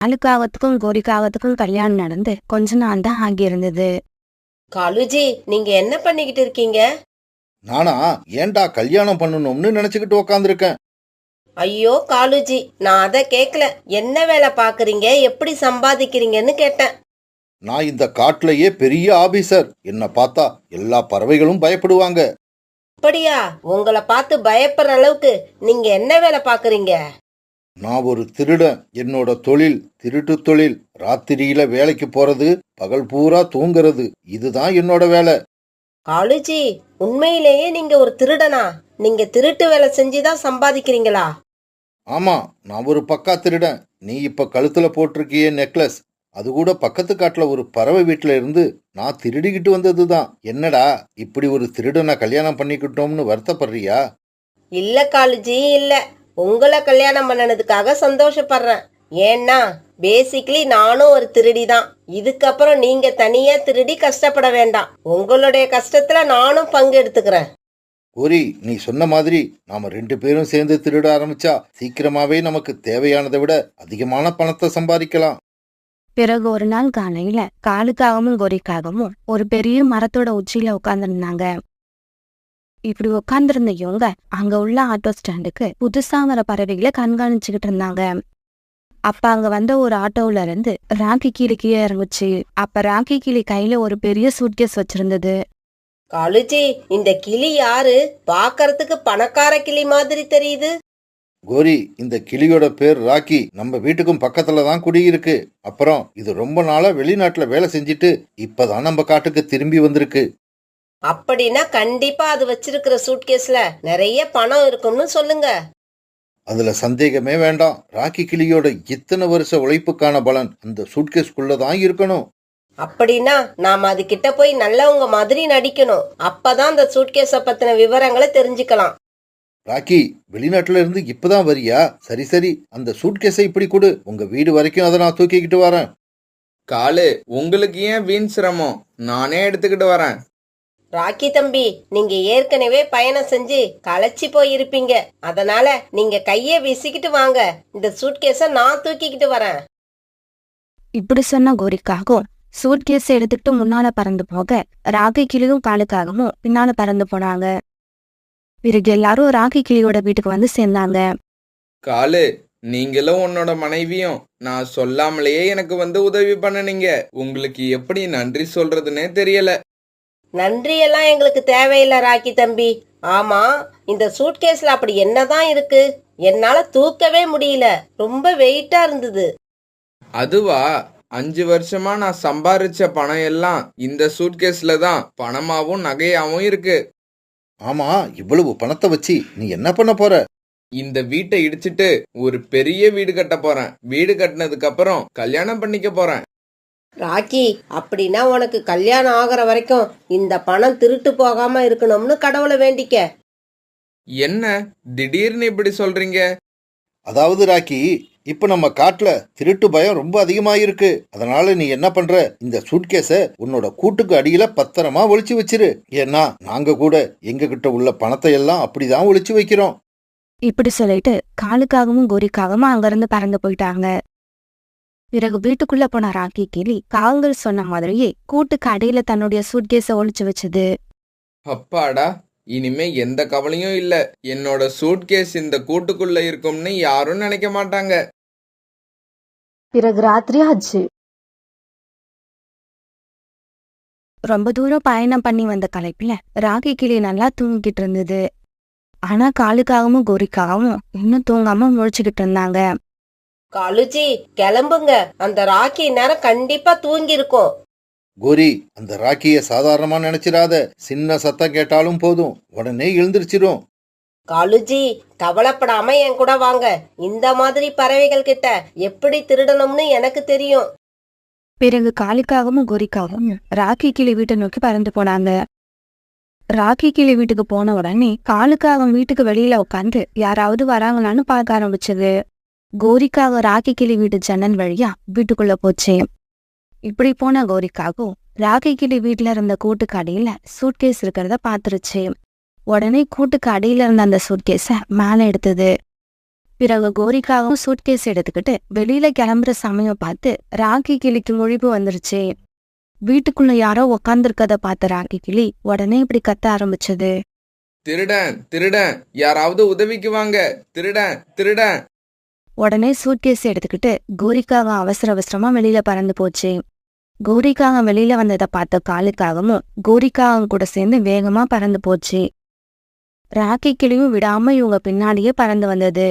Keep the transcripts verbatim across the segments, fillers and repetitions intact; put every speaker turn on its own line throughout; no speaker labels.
காலுக்காகத்துக்கும் கோரிக்காகத்துக்கும் கல்யாணம் நடந்து கொஞ்ச நாள் தான் ஆகியிருந்தது.
காலுஜி, நீங்க என்ன பண்ணிக்கிட்டு இருக்கீங்க?
நானா ஏன்டா கல்யாணம் பண்ணணும்னு நினைச்சுக்கிட்டு உக்காந்துருக்கேன்.
ஐயோ காலுஜி, நான் அத கேக்கல. என்ன வேலை பாக்குறீங்க, எப்படி சம்பாதிக்கிறீங்கன்னு கேட்டேன்.
நான் இந்த காட்டுலயே பெரிய ஆபீசர். என்ன பார்த்தா எல்லா பறவைகளும் பயப்படுவாங்க.
அப்படியா? உங்களை பார்த்து பயப்படுற அளவுக்கு நீங்க என்ன வேலை பாக்குறீங்க?
நான் ஒரு திருடன். என்னோட தொழில் திருட்டு தொழில். ராத்திரியில வேலைக்கு போறது, பகல் பூரா தூங்குறது. இதுதான் என்னோட வேலை.
காலுஜி, உண்மையிலேயே நீங்க ஒரு திருடனா? நீங்க திருட்டு வேலை செஞ்சுதான் சம்பாதிக்கிறீங்களா?
ஆமா, நான் ஒரு பக்கா திருடன். நீ இப்ப கழுத்துல போட்டிருக்கியே நெக்லஸ், அது கூட பக்கத்து காட்டுல ஒரு பறவை வீட்டுல இருந்து நான் திருடிக்கிட்டு வந்ததுதான். என்னடா இப்படி ஒரு திருடனை கல்யாணம் பண்ணிக்கிட்டோம்னு வருத்தப்படுறியா?
இல்ல காலுஜி, இல்ல. உங்களை கல்யாணம் பண்ணனதுக்காக சந்தோஷப்படுறேன். ஏன்னா பேசிக்கலி நானும் ஒரு திருடி தான். இதுக்கப்புறம் நீங்க தனியா திருடி கஷ்டப்பட வேண்டாம். உங்களுடைய கஷ்டத்துல நானும் பங்கு எடுத்துக்கிறேன்.
கோரி, நீ சொன்ன மாதிரி நாம ரெண்டு பேரும் சேர்ந்து திருட ஆரம்பிச்சா சீக்கிரமாவே நமக்கு தேவையானதை விட அதிகமான பணத்தை சம்பாதிக்கலாம்.
பிறகு ஒரு நாள் காலையில காலுக்காகவும் கோரிக்காகவும் ஒரு பெரிய மரத்தோட உச்சியில உட்கார்ந்துருந்தாங்க. இப்படி உட்கார்ந்துருந்த இவங்க அங்க உள்ள ஆட்டோ ஸ்டாண்டுக்கு புதுசா வர பறவைகளை கண்காணிச்சுக்கிட்டு இருந்தாங்க. அப்ப அங்க வந்த ஒரு ஆட்டோல இருந்து ராக்கி கிளி கீழே இறங்குச்சு. அப்ப ராக்கி கிளி கையில ஒரு பெரிய சூட்கேஸ் வச்சிருந்தது.
காலுஜி, இந்த கிளி யாரு? பாக்கறதுக்கு பணக்கார கிளி மாதிரி தெரியுது.
கோரி, இந்த கிளியோட பேர் ராக்கி. நம்ம வீட்டுக்கும் பக்கத்துல தான் குடியிருக்கு. அப்புறம் இது ரொம்ப நாளா வெளிநாட்டுல வேலை செஞ்சுட்டு இப்பதான் நம்ம காட்டுக்கு திரும்பி வந்திருக்கு.
அப்படின்னா கண்டிப்பா அது வச்சிருக்கிற சூட்கேஸ்ல நிறைய பணம் இருக்கும்னு சொல்லுங்க.
அதுல சந்தேகமே வேண்டாம். ராக்கி கிளியோட இத்தனை வருஷ உழைப்புக்கான பலன் அந்த சூட்கேஸ்குள்ளதான் இருக்கணும்.
அப்படின்னா நாம அது கிட்ட போய் நல்லவங்க மாதிரி நடிக்கணும். அப்பதான் அந்த சூட்கேஸ பத்தின விவரங்களை தெரிஞ்சுக்கலாம்.
ராக்கி, வெளிநாட்டுல இருந்து இப்பதான் வரியா? சரி சரி, அந்த சூட்கேஸை இப்படி கொடு. உங்க வீடு வரைக்கும் அதை நான் தூக்கிக்கிட்டு வரேன்.
காலு, உங்களுக்கு ஏன் வீண் சிரமம்? நானே எடுத்துக்கிட்டு வரேன்.
ராக்கி தம்பி, நீங்க ஏற்கனவே பயணம் செஞ்சு களைச்சி போயிருப்பீங்க. அதனால நீங்க கைய வீசிக்கிட்டு வாங்க. இந்த சூட்கேஸ நான் தூக்கிக்கிட்டு வரேன்.
இப்படி சொன்ன கோரிக்காகவும் சூட்கேஸ் எடுத்துக்கிட்டு முன்னால பறந்து போக ராக்கி கிளியும் காலுக்காகவும் பின்னால பறந்து போனாங்க. பிறகு எல்லாரும் ராக்கி கிளியோட வீட்டுக்கு வந்து சேர்ந்தாங்க.
காலு, நீங்களும் உன்னோட மனைவியும் நான் சொல்லாமலேயே எனக்கு வந்து உதவி பண்ணனீங்க. உங்களுக்கு எப்படி நன்றி சொல்றதுன்னே தெரியல.
நன்றி எல்லாம் எங்களுக்கு தேவையில்லை ராக்கி தம்பி. ஆமா, இந்த சூட்கேஸ்ல அப்படி என்னதான் இருக்கு? என்னால தூக்கவே முடியல. ரொம்ப வெயிட்டா இருந்தது.
அதுவா, அஞ்சு வருஷமா நான் சம்பாரிச்ச பணம் எல்லாம் இந்த சூட்கேஸ்ல தான் பணமாவும் நகையாவும் இருக்கு.
ஆமா, இவ்வளவு பணத்தை வச்சு நீ என்ன பண்ண போற?
இந்த வீட்டை இடிச்சிட்டு ஒரு பெரிய வீடு கட்ட போறேன். வீடு கட்டினதுக்கு அப்புறம் கல்யாணம் பண்ணிக்க போறேன்.
ராக்கி, அப்படின்னா உனக்கு கல்யாணம் ஆகிற வரைக்கும் இந்த பணம் திருட்டு போகாம இருக்கணும்னு கடவுளை வேண்டிக்க.
என்ன திடீர்னு இப்படி சொல்றீங்க?
அதாவது ராக்கி, இப்ப நம்ம காட்டுல திருட்டு பயம் ரொம்ப அதிகமாயிருக்கு. அதனால நீ என்ன பண்ற, இந்த சூட்கேஸ உன்னோட கூட்டுக்கு அடியில பத்திரமா ஒளிச்சு வச்சிரு. ஏன்னா நாங்க கூட எங்க கிட்ட உள்ள பணத்தை எல்லாம் அப்படிதான் ஒளிச்சு வைக்கிறோம்.
இப்படி சொல்லிட்டு காலுக்காகவும் கோரிக்காகவும் அங்கிருந்து பறந்து போயிட்டாங்க. பிறகு வீட்டுக்குள்ள போன ராக்கி கிளி காகங்கள் சொன்ன மாதிரியே கூட்டுக்கு அடியில தன்னுடைய சூட்கேஸ ஒளிச்சு வச்சது.
அப்பாடா, இனிமே எந்த கவலையும் இல்ல. என்னோட சூட்கேஸ் இந்த கூட்டுக்குள்ள இருக்கும்னு யாரும் நினைக்க மாட்டாங்க.
பிறகு ராத்திரி ஆச்சு. ரொம்ப தூரம் பயணம் பண்ணி வந்த களைப்புல ராக்கி கிளி நல்லா தூங்கிக்கிட்டு இருந்தது. ஆனா காலுக்காகவும் கோரிக்காகவும் இன்னும் தூங்காம முழிச்சுக்கிட்டு இருந்தாங்க.
காலுஜி, கிளம்புங்க. அந்த ராக்கி நேரம் கண்டிப்பா தூங்கி இருக்கும்.
கோரி, அந்த ராக்கிய சாதாரணமா நினைச்சிடாத. சின்ன சத்தம் கேட்டாலும் போதும், உடனே எழுந்திருச்சிரும்.
காலுஜி, கவலைப்படாம என் கூட வாங்க. இந்த மாதிரி பறவைகள் கிட்ட எப்படி திருடணும்னு எனக்கு தெரியும்.
பிறகு காலுக்காகவும் கோரிக்காகவும் ராக்கி கிளி வீட்டை நோக்கி பறந்து போனாங்க. ராக்கி கிளி வீட்டுக்கு போன உடனே காலுக்காகவும் வீட்டுக்கு வெளியில உட்காந்து யாராவது வராங்களான்னு பார்க்க ஆரம்பிச்சது. கோரிக்காக ராக்கி கிளி வீட்டு ஜன்னல் வழியா வீட்டுக்குள்ள போச்சு. இப்படி போன கோரிக்காகவும் ராக்கி கிளி வீட்டுல இருந்த கூட்டுக்கு அடியில சூட்கேஸ் இருக்கிறத பாத்துருச்சு. உடனே கூட்டுக்கு அடியில இருந்த அந்த சூட்கேஸ மேல எடுத்தது. பிறகு கோரிக்காகவும் சூட்கேஸ் எடுத்துக்கிட்டு வெளியில கிளம்புற சமயம் பார்த்து ராக்கி கிளிக்கு முழிப்பு வந்துருச்சு. வீட்டுக்குள்ள யாரோ உக்காந்துருக்கத பார்த்த ராக்கி கிளி உடனே இப்படி கத்த ஆரம்பிச்சது.
திருடன் திருடன், யாராவது உதவிக்கு வாங்க, திருடன் திருடன்.
உடனே சூட்கேஸ் எடுத்துக்கிட்டு கோரிக்காகம் அவசர அவசரமா வெளியில பறந்து போச்சு. கோரிக்காகம் வெளியில வந்ததை பார்த்த காலுக்காகமும் கோரிக்காகம் கூட சேர்ந்து வேகமா பறந்து போச்சு. ராக்கி கிளியும் விடாம இவங்க பின்னாடியே பறந்து வந்தது.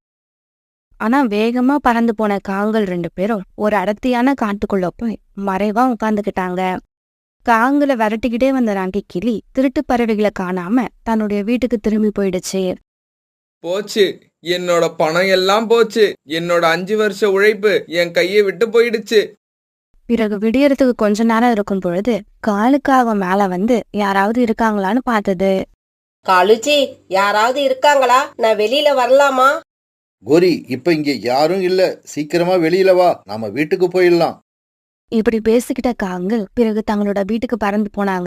ஆனா வேகமா பறந்து போன காங்கள் ரெண்டு பேரும் ஒரு அடர்த்தியான காட்டுக்குள்ள போய் மறைவா உட்கார்ந்துக்கிட்டாங்க. காங்களை விரட்டிக்கிட்டே வந்த ராக்கி கிளி திருட்டு பறவைகளை காணாம தன்னுடைய வீட்டுக்கு திரும்பி போயிடுச்சு.
போச்சு, என்னோட பணம் எல்லாம் போச்சு. என்னோட அஞ்சு வருஷ உழைப்பு என் கையை விட்டு போயிடுச்சு.
பிறகு விடியறதுக்கு கொஞ்ச நேரம் இருக்கும் பொழுது காலுக்காக மேல வந்து யாராவது இருக்காங்களான்னு பார்த்தது.
காலுஜி, யாராவது இருக்காங்களா? நான் வெளியில வரலாமா?
கோரி, இப்ப இங்க யாரும் இல்ல, சீக்கிரமா வெளியில வா, நாம வீட்டுக்கு போயிடலாம்.
இப்படி பேசிக்கிட்ட காங்கள் பிறகு தங்களோட வீட்டுக்கு பறந்து போனாங்க.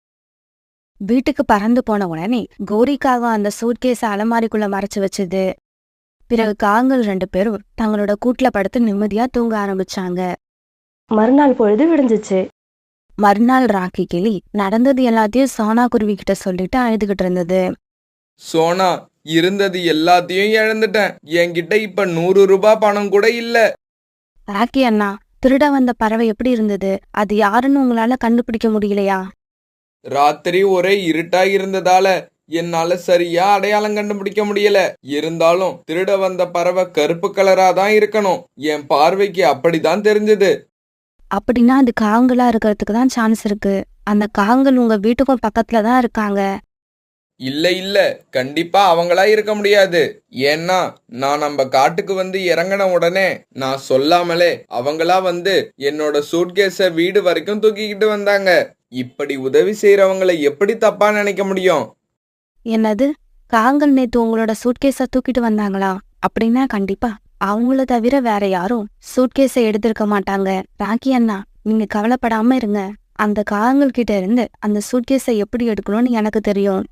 வீட்டுக்கு பறந்து போன உடனே கோரிக்காக அந்த சூட்கேஸ அலமாரிக்குள்ள மறைச்சு வச்சது. பிறகு காங்கள் ரெண்டு பேரும் தங்களோட கூட்டுல படுத்து நிம்மதியா தூங்க ஆரம்பிச்சாங்க. மறுநாள் பொழுது விடிஞ்சிச்சு. மறுநாள் ராக்கி கிளி நடந்தது எல்லாத்தையும் சோனா குருவி கிட்ட சொல்லிட்டு அழுதுகிட்டு இருந்தது.
சோனா, இருந்தது எல்லாத்தையும் இழந்துட்டேன். என்கிட்ட இப்ப நூறு ரூபாய் பணம் கூட இல்ல.
ராக்கி அண்ணா, திருட வந்த பறவை எப்படி இருந்தது? அது யாருன்னு உங்களால கண்டுபிடிக்க முடியலையா?
ராத்திரி ஒரே இருட்டா இருந்ததால என்னால சரியா அடையாளம் கண்டுபிடிக்க முடியல. இருந்தாலும் திருட வந்த பறவை கருப்பு கலரா தான் இருக்கணும். என் பார்வைக்கு அப்படிதான் தெரிஞ்சது.
அப்படின்னா அது காங்களா இருக்கிறதுக்கு தான் சான்ஸ் இருக்கு. அந்த காங்கள் உங்க வீட்டுக்கும் பக்கத்துல தான் இருக்காங்க.
இல்ல இல்ல, கண்டிப்பா அவங்களா இருக்க முடியாது. ஏன்னா நான் நம்ம காட்டுக்கு வந்து இறங்கின உடனே நான் சொல்லாமலே அவங்களா வந்து என்னோட சூட்கேஸ வீடு வரைக்கும் தூக்கிக்கிட்டு வந்தாங்க. இப்படி உதவி செய்யறவங்களை எப்படி தப்பா நினைக்க முடியும்?
என்னது, காங்கள் நேத்து உங்களோட சூட்கேஸ தூக்கிட்டு வந்தாங்களா? அப்படின்னா கண்டிப்பா அவங்கள தவிர வேற யாரும் சூட்கேஸை எடுத்திருக்க மாட்டாங்க. ராக்கி அண்ணா, நீங்க கவலைப்படாம இருங்க. அந்த காங்கள் கிட்ட இருந்து அந்த சூட்கேஸை எப்படி எடுக்கணும்னு எனக்கு தெரியும்.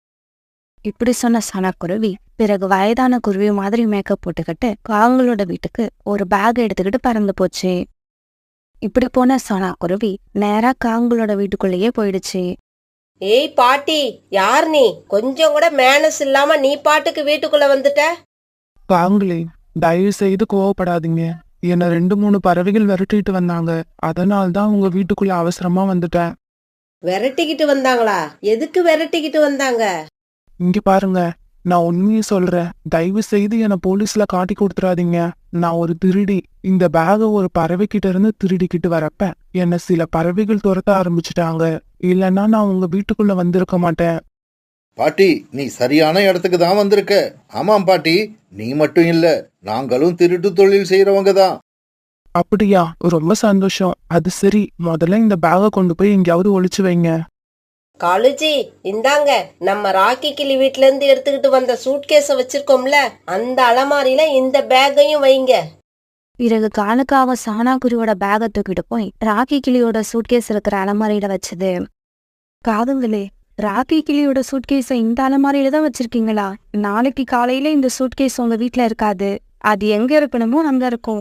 இப்படி சொன்ன சனக்குருவி பிறகு வயதான குருவி மாதிரி மேக்கப் போட்டுக்கிட்டு காங்களோட வீட்டுக்கு ஒரு பேக் எடுத்துக்கிட்டு பறந்து போச்சு. இப்படி போன சனாக்குருவி நேரா காங்களோட வீட்டுக்குள்ளேயே போயிடுச்சு.
ஏய் பாட்டி, யார் நீ? கொஞ்சம் கூட மேனஸ் இல்லாம நீ பாட்டுக்கு வீட்டுக்குள்ள வந்துட்ட.
காங்களே, தயவு செய்து கோவப்படாதீங்க. என்ன ரெண்டு மூணு பறவைகள் விரட்டிட்டு வந்தாங்க. அதனால தான் உங்க வீட்டுக்குள்ள அவசரமா வந்துட்டேன்.
விரட்டிக்கிட்டு வந்தாங்களா? எதுக்கு விரட்டிக்கிட்டு வந்தாங்க?
இங்க பாருங்க, நான் உண்மையை சொல்றேன். தயவு செய்து என்ன போலீஸ்ல காட்டி கொடுத்துறாதீங்க. நான் ஒரு திருடி. இந்த பேக ஒரு பறவை கிட்ட இருந்து திருடிக்கிட்டு வரப்ப என்ன சில பறவைகள் துரத்த ஆரம்பிச்சுட்டாங்க. இல்லைன்னா நான் உங்க வீட்டுக்குள்ள வந்திருக்க மாட்டேன்.
பாட்டி, நீ சரியான இடத்துக்கு தான் வந்திருக்க. ஆமாம் பாட்டி, நீ மட்டும் இல்ல, நாங்களும் திருட்டு தொழில் செய்யறவங்க தான்.
அப்படியா? ரொம்ப சந்தோஷம். அது சரி, முதல்ல இந்த பேக கொண்டு போய் எங்கேயாவது ஒளிச்சு வைங்க.
காலுஜி, இந்தாங்க, நம்ம ராக்கி கிளி வீட்ல இருந்து எடுத்துக்கிட்டு வந்த சூட்கேஸ வச்சிருக்கோம்ல, அந்த அலமாரியில இந்த பேக்கையும் வைங்க.
பிறகு காலுக்காக சானாக்குருவியோட பேகை தூக்கிட்டு போய் ராக்கி கிளியோட சூட்கேஸ் இருக்கிற அலமாரியில வச்சது. காதுங்களே, ராக்கி கிளியோட சூட்கேஸை இந்த அலமாரியில தான் வச்சிருக்கீங்களா? நாளைக்கு காலையில இந்த சூட்கேஸ் உங்க வீட்டுல இருக்காது. அது எங்க இருக்கணுமோ அங்க இருக்கும்.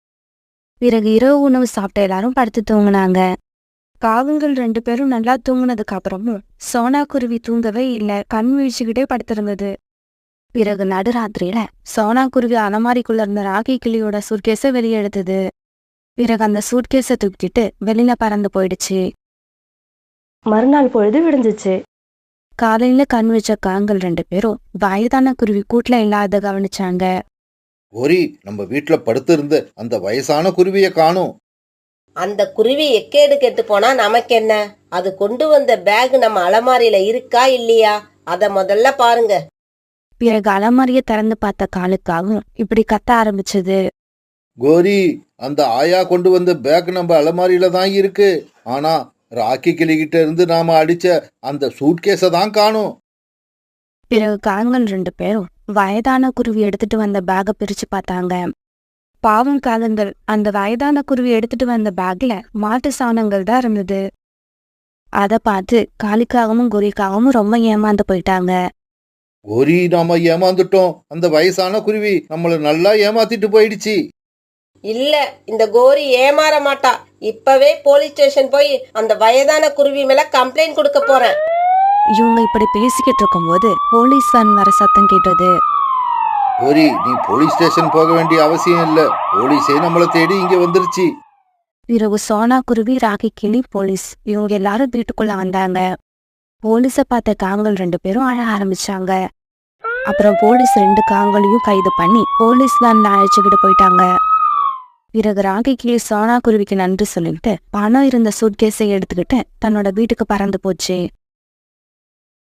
பிறகு இரவு உணவு சாப்பிட்ட எல்லாரும் படுத்து தூங்குனாங்க. காகங்கள் ரெண்டு பேரும் நல்லா தூங்குனதுக்கு அப்புறமும் சோனா குருவி தூங்கவே இல்ல, கண் வீழ்ச்சிக்கிட்டே படுத்திருந்தது. பிறகு நடுராத்திரியில சோனா குருவி அலமாரிக்குள்ள இருந்த ராக்கி கிளியோட சூட்கேஸை வெளியே எடுத்தது. பிறகு அந்த சூட்கேஸை தூக்கிட்டு வெளியில பறந்து போயிடுச்சு. மறுநாள் பொழுது விடிஞ்சிச்சு. காலையில கண் வச்ச காகங்கள் ரெண்டு பேரும் வயதான குருவி கூட்டுல இல்லாத கவனிச்சாங்க.
கோரி, நம்ம வீட்டுல படுத்து இருந்த அந்த வயசான குருவிய காணோம்.
அந்த குருவி எக்கேடு கெட்டு போனா நமக்கு என்ன? அது கொண்டு வந்த பேக் நம்ம அலமாரியில இருக்கா இல்லையா? அத முதல்ல பாருங்க.
பிறகு அலமாரிய திறந்து பார்த்த காலுக்காகவும் இப்படி கத்த ஆரம்பிச்சது.
கோரி, அந்த ஆயா கொண்டு வந்த பேக் நம்ம அலமாரியில தான் இருக்கு. ஆனா ராக்கி கிளிகிட்ட இருந்து நாம அடிச்ச அந்த சூட்கேஸ தான் காணோம்.
பிறகு காகங்கள் ரெண்டு பேரும் வயதான குருவி எடுத்துட்டு வந்த பேக பிரிச்சு பார்த்தாங்க. பாவம் காகங்கள், அந்த வயதான குருவி எடுத்துட்டு வந்த பேக்ல மாட்டு சாணங்கள் தான் இருந்தது. அத பார்த்து காலிக்காகவும் குறிக்காகவும் ரொம்ப ஏமாந்து போயிட்டாங்க.
கோரி, நாம ஏமாந்துட்டோம். அந்த வயசான குருவி நம்மள நல்லா ஏமாத்திட்டு போயிடுச்சு.
இல்ல, இந்த கோரி ஏமாற மாட்டா. இப்பவே போலீஸ் ஸ்டேஷன் போய் அந்த வயதான குருவி மேல கம்ப்ளைண்ட் கொடுக்க போறேன்.
இவங்க இப்படி பேசிக்கிட்டு இருக்கும்போது போலீஸ் வேன் வர சத்தம் கேட்டது.
கோரி, நீ போலீஸ் ஸ்டேஷன் போக வேண்டிய அவசியம் இல்ல. போலீஸே நம்மள தேடி இங்க வந்துருச்சு.
பிறகு சோனா குருவி, ராக்கி கிளி, போலீஸ் இவங்க எல்லாரும் வீட்டுக்குள்ள வந்தாங்க. போலீஸ பார்த்த காங்கள் ரெண்டு பேரும் அழ ஆரம்பிச்சாங்க. அப்புறம் போலீஸ் ரெண்டு காங்களையும் கைது பண்ணி போலீஸ் வேன்ல அழைச்சுக்கிட்டு போயிட்டாங்க. பிறகு ராக்கி கிளி சோனா குருவிக்கு நன்றி சொல்லிட்டு பணம் இருந்த சூட்கேஸை எடுத்துக்கிட்டு தன்னோட வீட்டுக்கு பறந்து போச்சு.